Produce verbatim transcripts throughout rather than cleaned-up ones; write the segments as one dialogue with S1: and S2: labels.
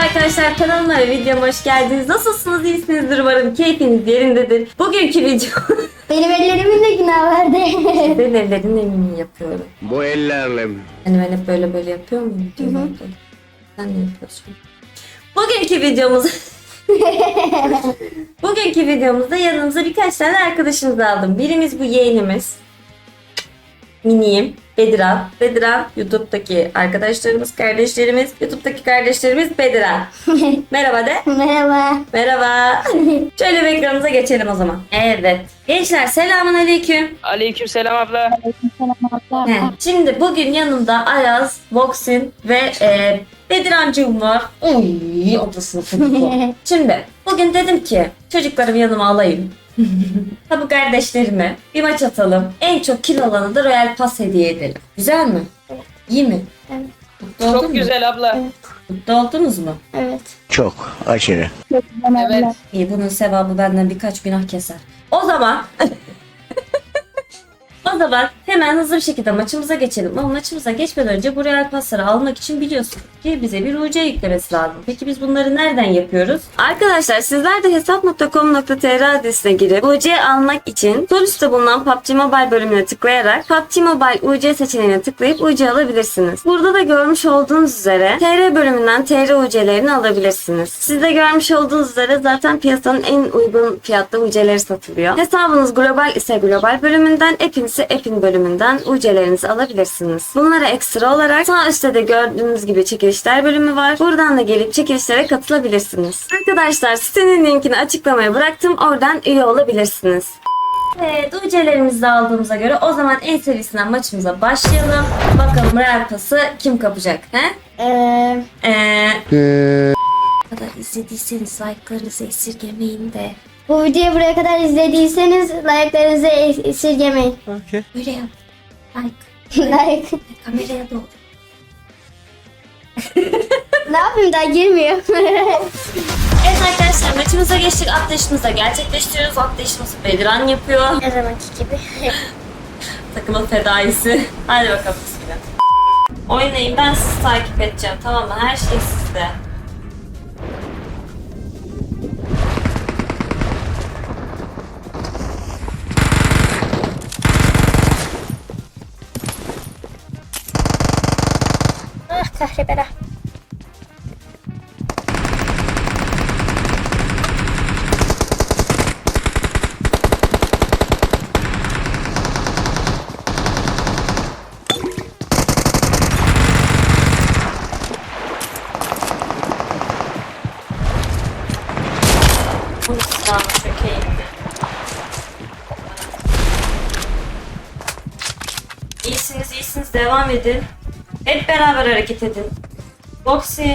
S1: arkadaşlar, kanalıma ve videoma hoş geldiniz. Nasılsınız? İyisinizdir umarım. Keyfiniz yerindedir. Bugünkü video...
S2: Benim ellerimin de günah vardı.
S1: Ben ellerinle mi yapıyorum?
S3: Bu ellerle mi?
S1: Hani ben hep böyle böyle yapıyor muyum? Hı hı. Sen ne yapıyorsun? Bugünkü videomuz... Bugünkü videomuzda yanımıza birkaç tane arkadaşımızı aldım. Birimiz bu yeğenimiz. Miniyim. Bediran. Bediran YouTube'daki arkadaşlarımız, kardeşlerimiz. YouTube'daki kardeşlerimiz Bediran. Merhaba de.
S2: Merhaba.
S1: Merhaba. Şöyle bir ekranımıza geçelim o zaman. Evet. Gençler selamun aleyküm.
S4: Aleykümselam abla.
S1: He, Şimdi bugün yanımda Ayaz, Voxin ve e, Bedirancığım var. Oy, odasını kırdı. Şimdi bugün dedim ki çocuklarımı yanıma alayım. Ha bu kardeşlerime bir maç atalım. En çok kill alanı da Royal Pass hediye edelim. Güzel mi?
S2: Evet.
S1: İyi mi?
S2: Evet.
S1: Mutlu oldun
S4: Çok
S1: mu?
S4: güzel abla.
S1: Mutlu oldunuz mu?
S2: Evet.
S3: Çok aşırı.
S4: Evet.
S1: İyi, bunun sevabı benden birkaç günah keser. O zaman O zaman hemen hızlı bir şekilde maçımıza geçelim. Ama maçımıza geçmeden önce bu Royal Pass'ları almak için biliyorsunuz ki bize bir U C yüklemesi lazım. Peki biz bunları nereden yapıyoruz? Arkadaşlar sizler de hesap nokta com nokta tr adresine girip U C almak için sol üstte bulunan P U B G Mobile bölümüne tıklayarak P U B G Mobile U C seçeneğine tıklayıp U C alabilirsiniz. Burada da görmüş olduğunuz üzere T R bölümünden T R U C'lerini alabilirsiniz. Siz de görmüş olduğunuz üzere zaten piyasanın en uygun fiyatlı U C'leri satılıyor. Hesabınız global ise global bölümünden, app'in ise app'in bölümünden U C'lerinizi alabilirsiniz. Bunlara ekstra olarak sağ üstte de gördüğünüz gibi çekilişler bölümü var. Buradan da gelip çekilişlere katılabilirsiniz. Arkadaşlar sitenin linkini açıklamaya bıraktım. Oradan üye olabilirsiniz. Evet, U C'lerimizi de aldığımıza göre o zaman en serisinden maçımıza başlayalım. Bakalım Royal Pass'ı kim kapacak? He?
S2: Ee,
S1: Eee... kadar izlediyseniz like'larınızı esirgemeyin de.
S2: bu videoyu buraya kadar izlediyseniz like'larınızı es- esirgemeyin.
S1: Böyle yap. Like.
S2: Like.
S1: Kameraya doğru.
S2: Ne yapayım, daha girmiyor.
S1: Evet arkadaşlar, maçımıza geçtik. Atlayışımızı gerçekleştiriyoruz. Atlayışımızı Bediran yapıyor.
S2: Her zamanki gibi.
S1: Takımın fedaisi. Hadi bakalım bismillah. Oynayın, ben sizi takip edeceğim, tamam mı? Her şey sizde.
S2: Ah kahrebera.
S1: Bu silahı çok iyiydi. İyisiniz, iyisiniz. Devam edin. Hep beraber hareket edin. Boxy.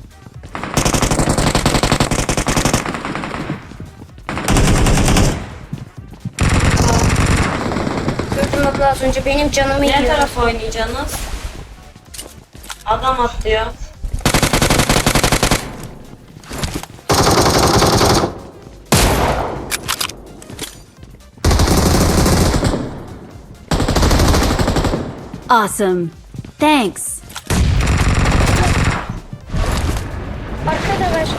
S2: Gördüm abla, az önce benim canımı
S1: Ne
S2: yiyor.
S1: tarafa oynayacaksınız? Adam atlıyor.
S5: Awesome. Thanks.
S2: Arkada var.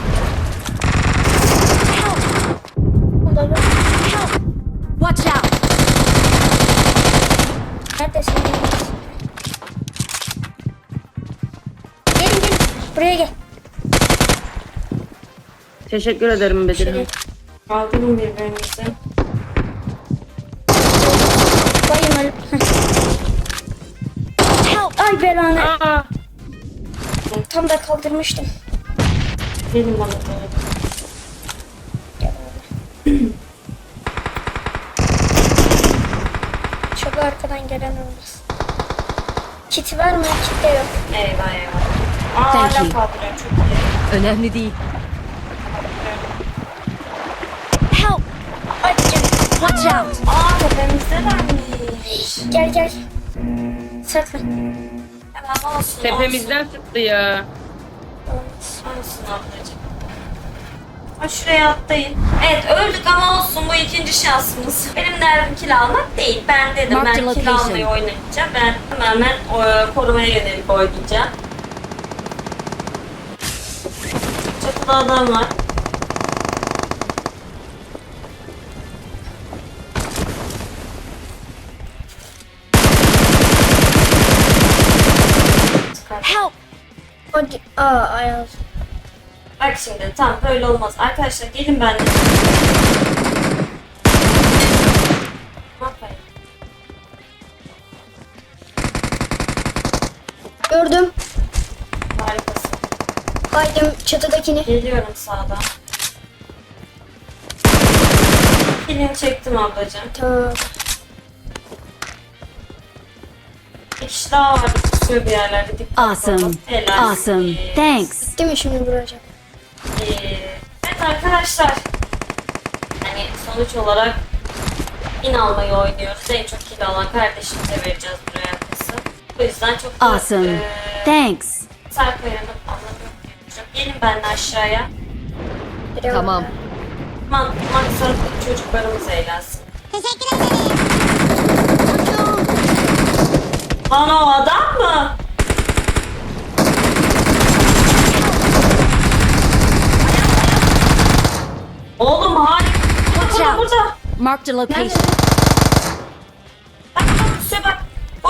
S2: Help. Help.
S5: Watch out.
S2: Neredesin? Gelin gelin. Buraya gel.
S4: Teşekkür ederim Bediran.
S2: Şöyle.
S1: Kaldırın birbirinizi.
S2: Bayım öyle. Help. Ay belanı.
S4: Aa,
S2: Tam da kaldırmıştım.
S1: Gelin bana böyle.
S2: Çok arkadan gelen olmaz. Kiti var mı? Kit de yok.
S1: Eyvah eyvah. Aa,
S5: Thank
S1: hala
S5: you.
S1: kaldırıyor, çok iyi.
S5: Önemli değil.
S2: Help. Ay canım.
S5: Watch out.
S1: Aa, tepemizdelermiş.
S2: Gel gel. Saklan.
S1: Hemen olsun.
S4: tepemizden sıktı ya.
S1: Olsun, olsun ablacığım. Ha, şuraya atlayın. Evet, öldük ama olsun, bu ikinci şansımız. Benim derdim kill almak değil. Ben dedim
S5: Mark the
S1: ben kill
S5: location.
S1: almayı oynayacağım. Ben tamamen e, korumaya yönelik oynayacağım. Çatıda adam var.
S5: Help!
S2: O di- Aa Ayaz.
S1: Bak şimdi tam böyle olmaz. Arkadaşlar gelin benimle. Ne yapayım?
S2: Gördüm.
S1: Harikasın.
S2: Baydım çatıdakini.
S1: Geliyorum sağdan. Kilini çektim ablacığım.
S2: Tamam.
S1: Bir kişi daha var. Kusuyor bir yerlerde. Dikkat
S5: Awesome.
S1: olun. Helal.
S5: Awesome. Thanks.
S2: Değil mi şimdi vuracak?
S1: Ee, evet arkadaşlar. Hani sonuç olarak in almayı oynuyoruz. En çok kill alan kardeşimize vereceğiz buraya arkası. O yüzden çok da
S5: Awesome.
S1: e,
S5: Thanks.
S1: Serkaya'nın anlamı yok. Gelin benimle aşağıya.
S2: Biri
S5: Tamam.
S2: orada.
S1: Man, maksat çocuklarımız eğlensin. Lan o adam mı? Oğlum harika.
S5: Watch
S1: Burada
S5: out.
S1: burada.
S5: Marked a location.
S1: Bak bak üstüne bak. Hop.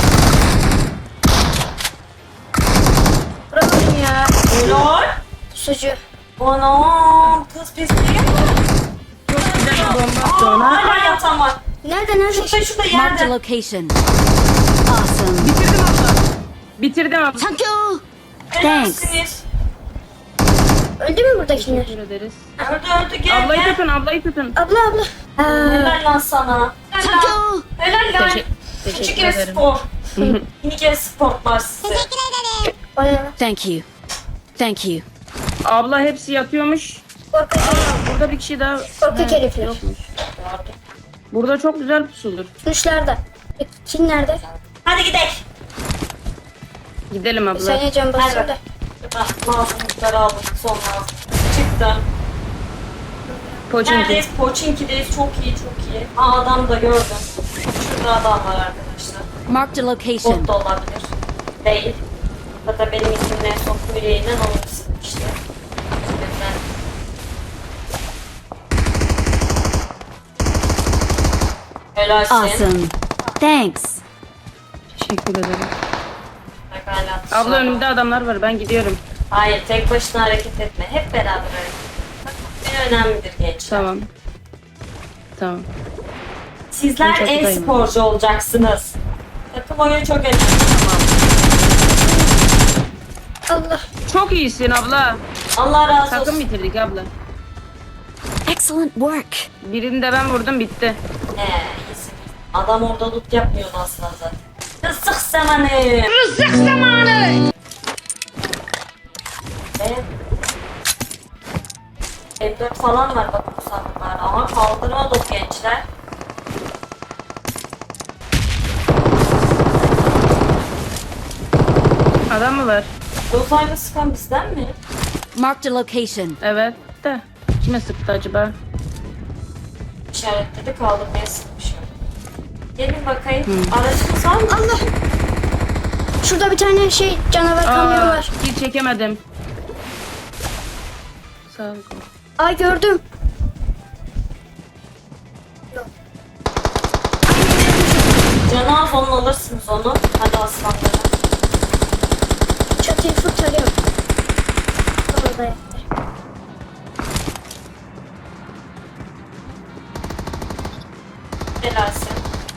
S2: Vuramadım ya.
S1: Helal.
S2: Sucu.
S1: Anam kız pisliği mi?
S4: Çok güzel bir bomba attı
S1: Aa,
S4: ona.
S1: hala yatan var.
S2: Nerede nerede?
S1: Şurada şurada
S5: Marked a
S1: yerde.
S5: location. Awesome.
S4: Bitirdim abla. Bitirdim abla.
S5: Thank you.
S1: Helalsiniz.
S2: Öldü mü buradakiler?
S4: Teşekkür ederiz.
S1: Öldü öldü gel
S4: Ablayı
S1: gel.
S4: tutun, ablayı tutun.
S2: Abla abla. Aa,
S1: Helal lan sana.
S5: Thank
S1: Helal.
S5: you.
S1: Helal lan.
S4: Teşekkür- teşekkür
S1: Küçük
S4: ederim.
S1: spor. Minik spor var size.
S2: o ne lan?
S5: Thank you. Thank you.
S4: Abla hepsi yatıyormuş.
S2: Korkak herif.
S4: Burada bir kişi daha
S2: Korkak herifler.
S4: yokmuş. Burada çok güzel pusulur.
S2: Kuşlarda. Peki kim nerede?
S1: Hadi gidelim.
S4: Gidelim abla.
S2: Sen can basıyor
S1: Hadi.
S2: da.
S1: Bak lazımlıkları aldım son lazım. Çıktım.
S4: Poçinki.
S1: Neredeyiz? Poçinki'deyiz. Çok iyi çok iyi. Aa adam da gördüm. Şurada adam var arkadaşlar.
S5: Marked a location.
S1: Bot da olabilir. Değil. Zaten benim ismimle son yüreğinden alırsın işte. O yüzden. Helalsin.
S5: Awesome. Thanks.
S4: Teşekkür ederim.
S1: Bak hala
S4: Abla
S1: dışarıda.
S4: önümde adamlar var. Ben gidiyorum.
S1: Hayır tek başına hareket etme. Hep beraber hareket et. Bak bu önemlidir gençler.
S4: Tamam. Tamam.
S1: Sizler
S4: Ben çatıdayım.
S1: e-sporcu olacaksınız. Takım oyunu çok önemli.
S2: Allah.
S4: Çok iyisin abla.
S1: Allah razı
S4: Takım
S1: olsun.
S4: bitirdik abla.
S5: Excellent work.
S4: Birini de ben vurdum, bitti.
S1: Ee, iyisin. Adam orada loot yapmıyordu aslında zaten. Rızık zamanı. Rızık zamanı. Evet. M dört falan var bakın bu sandıklarda. Ama kaldırmadı o gençler.
S4: Adam mı var?
S1: Dozayla sıkan bizden mi?
S5: Marked a location.
S4: Evet de. Kime sıktı acaba?
S1: İşaretledi kaldırmaya sıkmışım. Gelin bakayım. Aracınız var mı?
S2: Allah. Şurada bir tane şey canavar kamyonu
S4: Aa,
S2: var.
S4: kill çekemedim. Sağ ol.
S2: Ay gördüm.
S1: Canı az onu alırsınız onu. Hadi aslanlarım.
S2: Çatıyı fırtarıyorum. Orada yattı.
S1: Helalsin.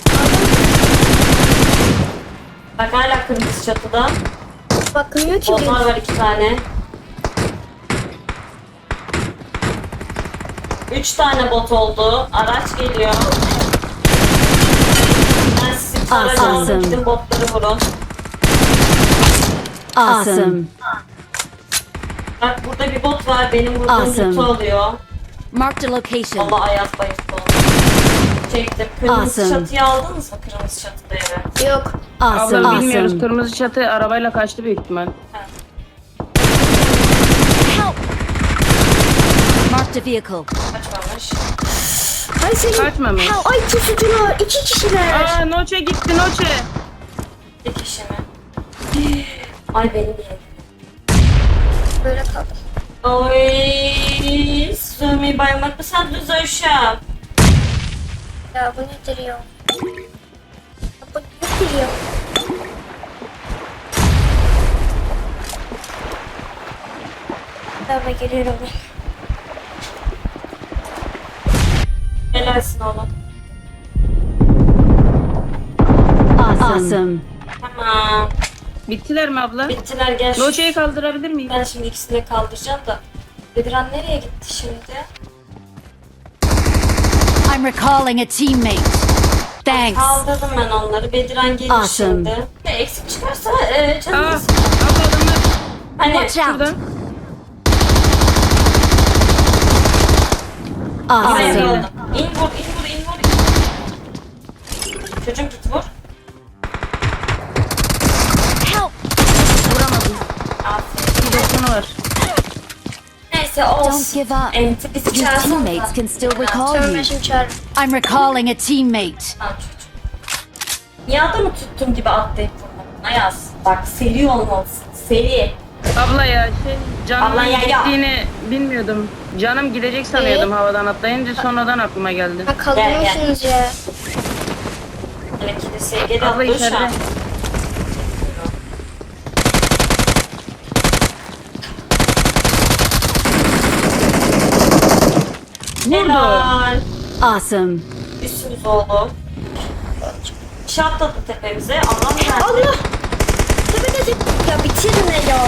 S1: Bak hala kırmızı çatıda.
S2: Bakmıyor ki.
S1: Onlar var iki tane. Üç tane bot oldu. Araç geliyor. Ben sizi tarayacağım.
S5: Awesome.
S1: Gidin botları vurun.
S5: Awesome.
S1: Bak burada bir bot var. Benim vurduğum
S5: Awesome.
S1: botu alıyor.
S5: Marked a location.
S1: Allah ayaz bayıldı oldu. Çektim. Kırmızı
S5: Awesome.
S1: çatıyı aldınız mı? Kırmızı çatıda eve.
S2: Yok.
S5: Awesome.
S4: Abla bilmiyoruz.
S5: Awesome.
S4: Kırmızı çatı arabayla kaçtı büyük ihtimal.
S5: Help. Marked a vehicle.
S1: Kaçmamış.
S2: Ay senin.
S4: Kaçmamış.
S2: Ay pusucular. İki kişiler.
S4: Aa Noche gitti Noche.
S1: Bir kişi mi? Ay benim yerim.
S2: Böyle kaldım.
S1: Oy, sövmeyi baymak mı sandınız uşağım?
S2: Ya bu nedir ya? Ya bu nedir ya? Tamam geliyorum ben.
S1: Helalsin oğlum.
S5: Awesome.
S1: Tamam.
S4: Bittiler mi abla?
S1: Bittiler gel. şu-
S4: Loçayı kaldırabilir miyim?
S1: Ben şimdi ikisini de kaldıracağım da. Bediran nereye gitti şimdi?
S5: I'm recalling a teammate. Thanks.
S1: Kaldırdım ben onları. Bediran gelir
S5: Awesome.
S1: şimdi. Ne eksik çıkarsa e,
S4: Aa,
S1: canım.
S4: abla adamlar
S1: Hani
S5: Watch out.
S4: şurada.
S1: buraya
S5: Awesome.
S1: yolladım. İn vur, in vur, in vur. Çocuğum git vur.
S5: Help.
S4: Vuramadım.
S1: Aferin.
S4: Bir doksanı var.
S1: Neyse
S5: Don't
S1: olsun.
S5: give up.
S1: Enti bizi
S5: Your
S1: çağırsana.
S5: teammates can still recall
S2: Tamam ben
S5: you.
S2: şimdi çağırırım.
S5: I'm recalling a teammate.
S1: Al çocuğum. Niye adamı tuttum gibi atlayıp vurmadın? Ayaz. Bak seri olmalısın. Seri.
S4: Abla ya şey canımın
S1: Abla ya, ya.
S4: gittiğini bilmiyordum. Canım gidecek sanıyordum havadan atlayınca sonradan aklıma geldi.
S2: Ha kaldırmışsınız ya.
S1: Hele kiliseye geri
S4: Abla
S1: atlıyor şu
S4: içeride.
S1: an.
S4: Vurdu.
S1: Helal.
S5: Awesome.
S1: Üstümüz oldu. Şey atladı tepemize. Allah nerede?
S2: Allah! Tepede tep... Ya bitirme ya.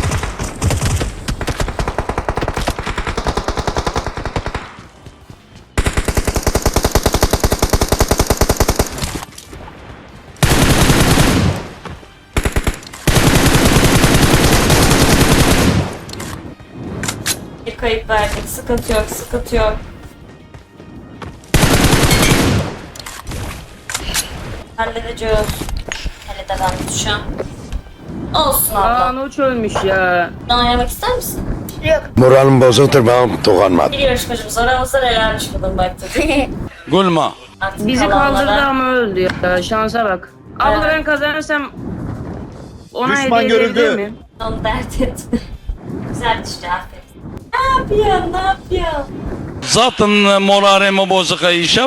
S1: Bir kayıp verdik. Sıkıntı yok, sıkıntı yok. Halledeceğiz. Halledemem şu an. Olsun
S4: Aa
S1: abla.
S4: Noç ölmüş ya.
S1: Sen oynamak ister misin?
S2: Yok.
S3: Moralim bozuktur ben dokunmadım.
S1: Bir yarışmacımız aramızda nelermiş bunun baktık.
S3: Gülme.
S1: Artık
S4: Bizi
S1: kalanlara-
S4: kaldırdı ama öldü ya. Şansa bak. Abla
S1: Evet.
S4: ben kazanırsam ona
S6: Düşman
S4: hediye
S6: görüldü.
S4: edebilir miyim?
S1: Onu dert etme. Güzel düştü aferin. Ne yapıyorsun? Ne yapıyorsun?
S7: Zaten moralimi bozuk Ayşe.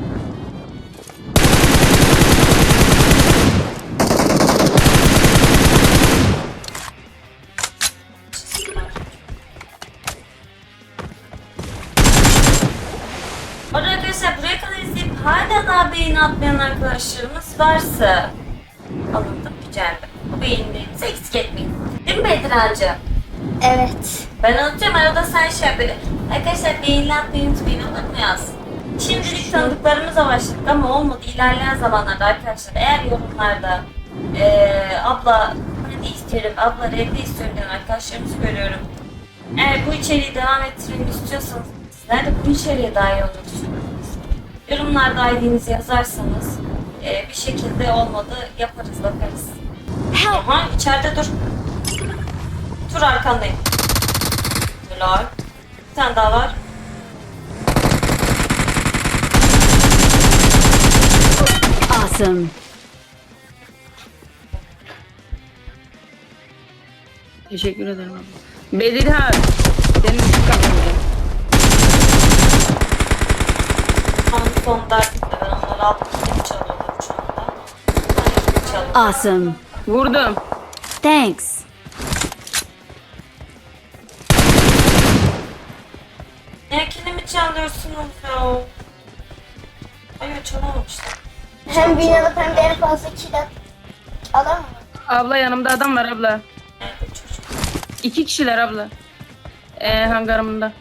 S1: Orada arkadaşlar buraya kadar izleyip hala daha beğeni atmayan arkadaşlarımız varsa alındım güzeldi. Bu beğenilerinizi eksik etmeyin. Değil mi Bedirancığım?
S2: Evet.
S1: Ben anlatacağım arada sen şey yap böyle. Arkadaşlar beğeni atmayı unutmayın olur mu yaz? Şimdilik tanıdıklarımıza başladık ama olmadı. İlerleyen zamanlarda arkadaşlar eğer yorumlarda eee abla hadi istiyorum, abla revde istiyorum diyen arkadaşlarımızı görüyorum. Eğer bu içeriği devam ettirmek istiyorsanız sizler de bu içeriğe dahil olmak istiyorsanız yorumlarda I D'nizi yazarsanız eee, bir şekilde olmadı yaparız bakarız.
S5: Help.
S1: Aha içeride dur. Dur arkandayım. Helal. Bir tane daha var.
S5: Awesome.
S4: Teşekkür ederim abla. Bedirhan. Senin için kazanacağım.
S1: Son, son dertlikle ben onları aldım. Kim çalıyorlar şu anda? Ben kim çalıyorum?
S5: Awesome.
S4: Vurdum.
S5: Thanks.
S1: Ne kilimi çalıyorsunuz ya? Hayır çalamamışlar.
S2: Hem bin alıp hem de en fazla kill at. Alamam mı?
S4: Abla yanımda adam var abla.
S1: Nerede çocuk?
S4: İki kişiler abla. Ee, hangarımda.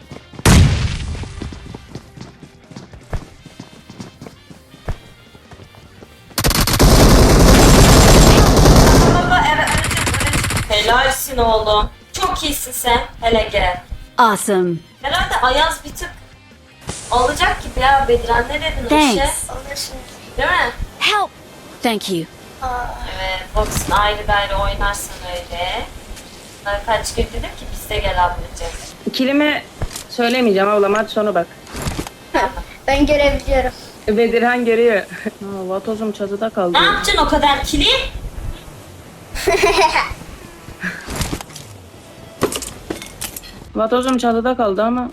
S1: Baba evet evet. Helalsin oğlum. Çok iyisin sen. Hele gel.
S5: Awesome.
S1: Herhalde Ayaz bir tık alacak gibi ya Bediran. Ne dedin o işe?
S5: Thanks.
S2: Alırsın.
S1: Değil mi?
S5: Help. Thank you.
S2: Aa,
S1: Evet, box'un ayrı gayrı oynarsan öyle. Ben kaç gün dedim ki biz de gel ablacığım.
S4: Kilimi söylemeyeceğim abla maç sonu bak.
S2: ben görebiliyorum.
S4: Bedirhan görüyor. Aa, vatozum çatıda kaldı.
S1: Ne yapacaksın o kadar kili?
S4: Vatozum çatıda kaldı ama.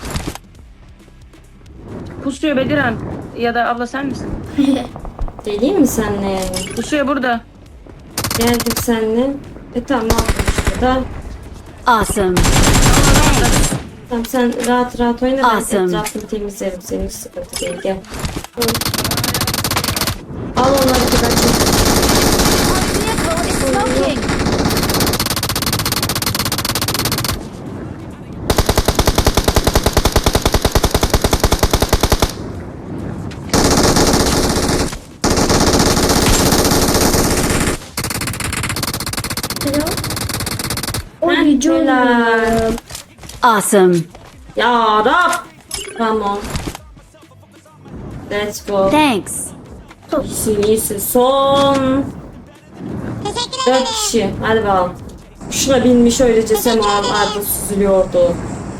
S4: Pusuyor Bediran. Ya da abla sen misin?
S1: Geleyim mi senle yani?
S4: Pusuyor burada.
S1: Geldik senle. E tamam aldım işte da.
S5: Awesome.
S1: Tamam sen rahat rahat oyna, ben
S5: Awesome.
S1: etrafını temizlerim, senin hiç sıkıntı değil, gel. Al onları bir kaçın.
S5: Vehicle is smoking.
S2: Oy canım.
S5: Awesome.
S1: Ya Rab! Tamam. Let's go.
S5: Thanks.
S1: İyisin iyisin. Son. Dört kişi. Hadi bakalım. Şuna binmiş öylece semalarda süzülüyordu.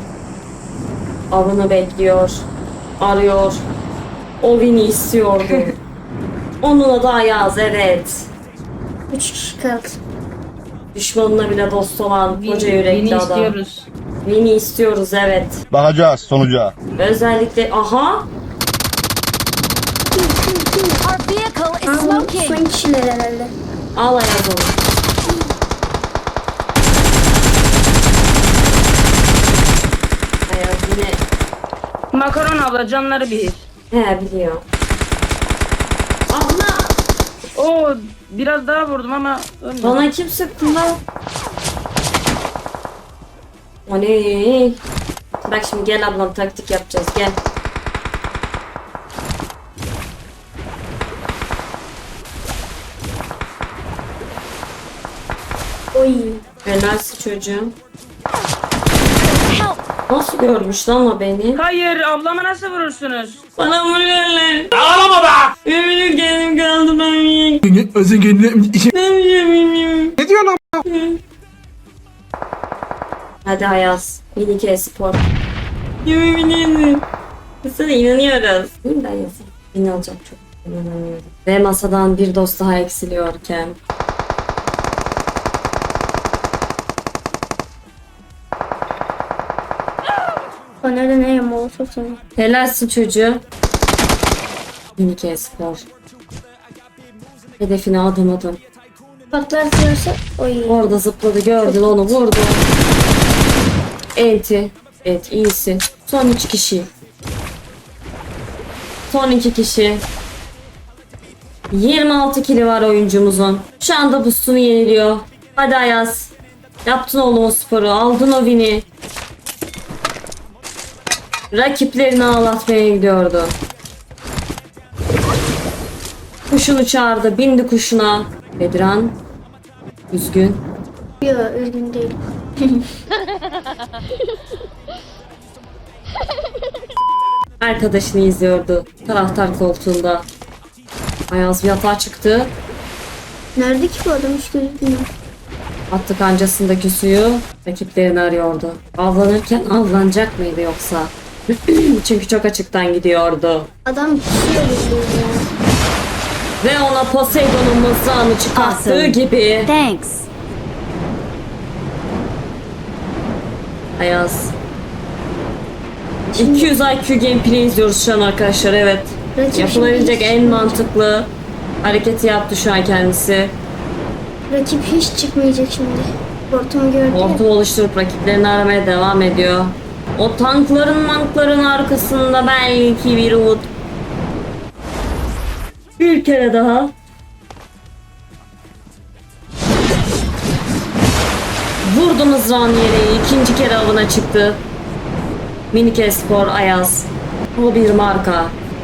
S1: Avını bekliyor. Arıyor. O Vin'i istiyordu. Onunla da Ayaz, evet.
S2: Üç kişi kaldı.
S1: Düşmanına bile dost olan koca
S4: Vini
S1: yürekli adam.
S4: istiyoruz.
S1: Vin'i istiyoruz, evet.
S3: Bakacağız sonuca.
S1: Özellikle aha.
S5: Our vehicle is
S2: Aa, bu
S5: smoking.
S2: son kişiler herhalde.
S1: Al Ayaz onu. Ayaz yine.
S4: Makaron abla canları bir.
S1: He biliyor. Abla!
S4: Oo biraz daha vurdum ama ölmedi.
S1: Bana kim sıktı lan? O ne? Bak şimdi gel ablam, taktik yapacağız, gel.
S2: Oy.
S1: Helalsin çocuğum.
S5: Help.
S1: Nasıl görmüş lan o beni?
S4: Hayır ablama nasıl vurursunuz?
S1: Bana vuruyorlar. Ağlama be! Eminim kendim kaldım ben.
S6: Özün kendine
S1: Ne
S6: diyorsun lan?
S1: Hadi Ayaz. Minik e-spor. Yemin sana inanıyoruz. Değil mi Ayaz? Beni alacak çok. İnanamıyorum. Ve masadan bir dost daha eksiliyorken.
S2: O nerede ne molotof sana.
S1: Helalsin çocuğu. Minik e-spor. Hedefine adım adım.
S2: Patlatıyorsa oy.
S1: Orada zıpladı, gördün onu, vurdu. Enti. Evet, iyisin. Son üç kişi. Son iki kişi. yirmi altı kili var oyuncumuzun. Şu anda boostunu yeniliyor. Hadi Ayaz. Yaptın oğlum o sporu. Aldın o win'i. Rakiplerini ağlatmaya gidiyordu. Kuşunu çağırdı. Bindi kuşuna. Bedran. Üzgün.
S2: Yok üzgün değil.
S1: Arkadaşını izliyordu. Taraftar koltuğunda. Ayaz bir yatağa çıktı.
S2: Nerede ki bu adam hiç gözükmüyor.
S1: Attı kancasındaki suyu. Rakiplerini arıyordu. Avlanırken avlanacak mıydı yoksa? Çünkü çok açıktan gidiyordu.
S2: Adam kişiye geliyor ya.
S1: Ve ona Poseidon'un mızrağını çıkarttığı
S5: Awesome.
S1: gibi.
S5: Thanks.
S1: Ayaz. iki yüz I Q gameplay izliyoruz şu an arkadaşlar, evet.
S2: Rakip
S1: Yapılabilecek
S2: şimdi
S1: en
S2: hiç-
S1: mantıklı hareketi yaptı şu an kendisi.
S2: Rakip hiç çıkmayacak şimdi. Ortamı gördü ya.
S1: Ortam oluşturup rakiplerini aramaya devam ediyor. O tankların mankların arkasında belki bir umut. Bir kere daha. Vurdu mızrağını yere, ikinci kere avına çıktı. Minik Espor Ayaz. O bir marka.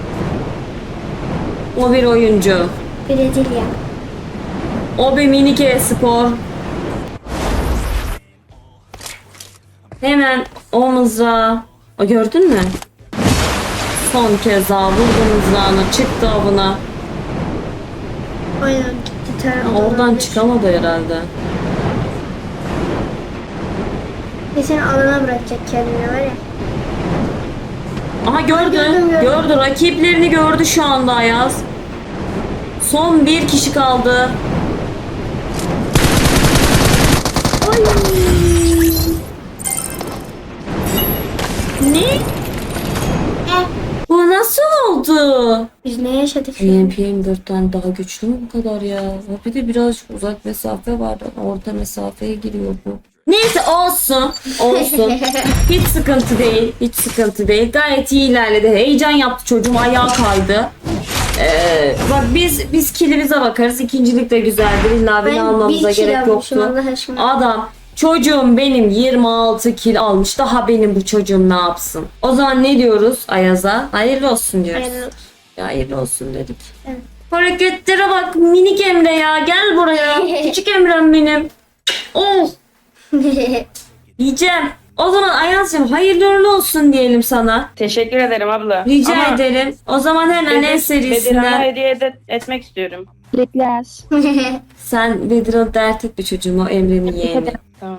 S1: O bir oyuncu.
S2: Brezilya.
S1: O bir minik e-spor. Hemen o mızrağı. O gördün mü? Son kez daha vurdu mızrağını, çıktı avına.
S2: Aynen gitti ter.
S1: Ama oradan çıkamadı herhalde.
S2: Ve seni alana bırakacak kendine var ya.
S1: Aha gördü.
S2: Gördüm, gördüm.
S1: Gördü. Rakiplerini gördü şu anda Ayaz. Son bir kişi kaldı. Ne?
S2: Eh,
S1: Bu nasıl oldu?
S2: biz ne yaşadık?
S1: P M P M dörtten daha güçlü mü bu kadar ya? Bir de biraz uzak mesafe var. Orta mesafeye giriyor bu. Neyse olsun. Olsun. Hiç sıkıntı değil. Hiç sıkıntı değil. Gayet iyi ilerledi. Heyecan yaptı çocuğum. Ayağı kaydı. Ee, bak biz biz kilimize bakarız. İkincilik de güzeldir. İlla beni
S2: Ben
S1: almamıza
S2: bir kilo
S1: gerek
S2: almışım,
S1: yoktu.
S2: Allah aşkına.
S1: Adam çocuğum benim yirmi altı kil almış. Daha benim bu çocuğum ne yapsın? O zaman ne diyoruz Ayaz'a? Hayırlı olsun diyoruz.
S2: Hayırlı olsun.
S1: Ya hayırlı olsun dedik.
S2: Evet.
S1: Hareketlere bak minik Emre ya. Gel buraya. Küçük Emre'm benim. Oh. Yiyeceğim. O zaman Ayaz'cığım hayırlı uğurlu olsun diyelim sana.
S4: Teşekkür ederim abla.
S1: Rica
S4: Ama
S1: ederim. O zaman hemen en
S4: Bedir- Bedirhan'a
S1: serisinden
S4: hediye ede- etmek istiyorum.
S1: sen Bedirhan'ı dert etme çocuğum, o Emre'nin yeğeni.
S4: Tamam.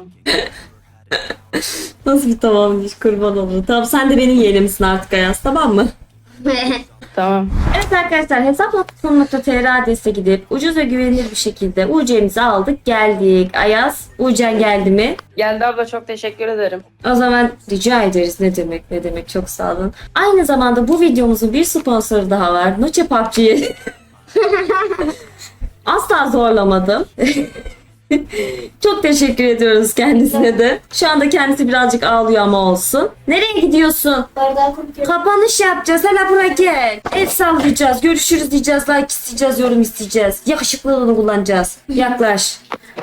S1: Nasıl bir tamammış, kurban olur. Tamam sen de benim yeğenimsin artık Ayaz, tamam mı?
S4: Tamam.
S1: Evet arkadaşlar, hesap nokta com nokta tr adrese gidip ucuz ve güvenilir bir şekilde U C'mizi aldık geldik. Ayaz, U C'en geldi mi?
S4: Geldi abla, çok teşekkür ederim.
S1: O zaman rica ederiz. Ne demek ne demek, çok sağ olun. Aynı zamanda bu videomuzun bir sponsoru daha var. Noche P U B G'yi. Asla zorlamadım. Çok teşekkür ediyoruz kendisine de. Şu anda kendisi birazcık ağlıyor ama olsun. Nereye gidiyorsun?
S2: Bardağı kokuyor.
S1: Kapanış yapacağız. Hele buraya gel. El sallayacağız. Görüşürüz diyeceğiz. Like isteyeceğiz. Yorum isteyeceğiz. Yakışıklılığını kullanacağız. Yaklaş.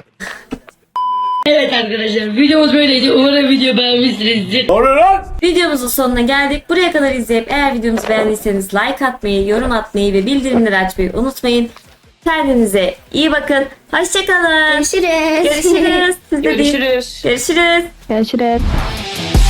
S6: Evet arkadaşlar, videomuz böyleydi. Umarım video beğenmişsinizdir.
S1: Videomuzun sonuna geldik. Buraya kadar izleyip eğer videomuzu beğendiyseniz like atmayı, yorum atmayı ve bildirimleri açmayı unutmayın. Kendinize iyi bakın. Hoşçakalın.
S2: Görüşürüz.
S1: Görüşürüz. Siz de deyin.
S4: Görüşürüz.
S1: Görüşürüz.
S8: Görüşürüz.